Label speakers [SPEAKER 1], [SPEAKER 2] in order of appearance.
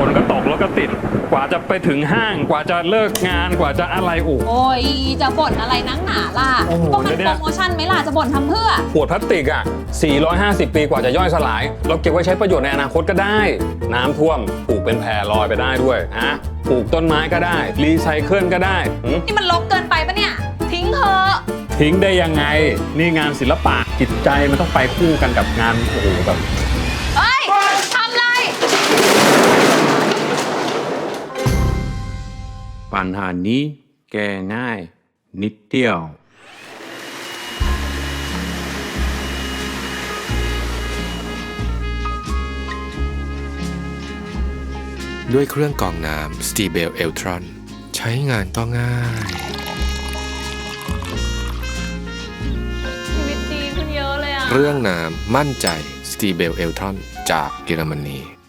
[SPEAKER 1] นก็ตกแล้วก็ติดกว่าจะไปถึงห้างกว่าจะเลิกงานกว่าจะอะไร
[SPEAKER 2] โอ้ยจะบ่นอะไรนักหนาล่ะก็มันโปรโมชั่นไหมล่ะจะบ่นทำเพื่อ
[SPEAKER 1] ขวดพลาสติกอ่ะ450 ปีกว่าจะย่อยสลายเราเก็บไว้ใช้ประโยชน์ในอนาคตก็ได้น้ำท่วมปลูกเป็นแพรลอยไปได้ด้วยฮะปลูกต้นไม้ก็ได้รีไซเคิลก็ได้
[SPEAKER 2] นี่มันรกเกินไปปะเนี่ยทิ้งเถอะ
[SPEAKER 1] ทิ้งได้ยังไงนี่งานศิลปะจิตใจมันต้องไปคู่กันกับงานโอ้โหแบบ
[SPEAKER 2] เฮ้ยทำไร
[SPEAKER 3] ปัญหานี้แก้ง่ายนิดเดียว
[SPEAKER 4] ด้วยเครื่องกรองน้ำ Stiebel Eltron ใช้งานก็ง่าย
[SPEAKER 2] ชีวิตดีขึ้นเยอะเลยอ่ะ
[SPEAKER 4] เรื่องน้ำมั่นใจ Stiebel Eltron จากเยอรมนี